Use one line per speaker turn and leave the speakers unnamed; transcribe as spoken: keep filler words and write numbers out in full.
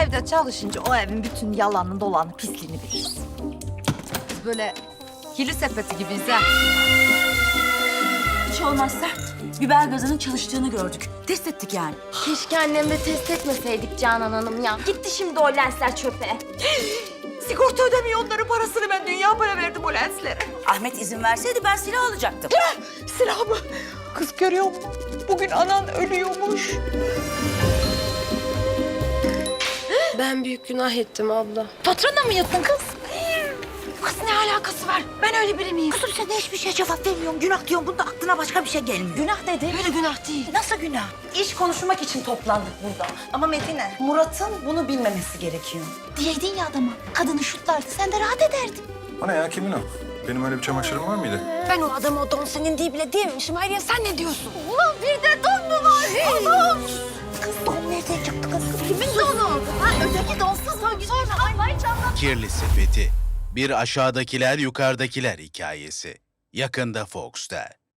evde çalışınca o evin bütün yalanını dolanı pisliğini biliriz. Biz böyle kirli sepeti gibiyiz ha.
Hiç olmazsa biber gazının çalıştığını gördük. Test ettik yani.
Keşke annemle test etmeseydik Canan Hanım ya. Gitti şimdi o lensler çöpe.
Sigorta ödemiyor onların parasını, ben dünya para verdim o lenslere.
Ahmet izin verseydi ben silah alacaktım.
Silah mı? Kız görüyor musun? Bugün anan ölüyormuş.
Ben büyük günah ettim abla.
Patrona mı yattın kız? Kız ne alakası var? Ben öyle biri miyim?
Kızım sen de hiçbir şeye cevap vermiyorsun. Günah diyorsun. Bunda aklına başka bir şey gelmiyor.
Günah dedi. Öyle günah değil.
Nasıl günah?
İş konuşmak için toplandık burada. Ama Medine, Murat'ın bunu bilmemesi gerekiyor.
Diyeydin ya adama. Kadını şutlardı. Sen de rahat ederdin.
O ne ya, kimin o? Benim öyle bir çamaşırım var mıydı?
Ben o adama o don senin diye bile diyememişim. Hayriye sen ne diyorsun?
Ulan bir de don mu var? Allah'ım.
Kız don nereden çıktı kız?
Kimin donu? Ha, öteki donsuz hangi sonra? Ay vay canına.
Kirli Sepeti. Bir aşağıdakiler yukarıdakiler hikayesi. Yakında Fox'ta.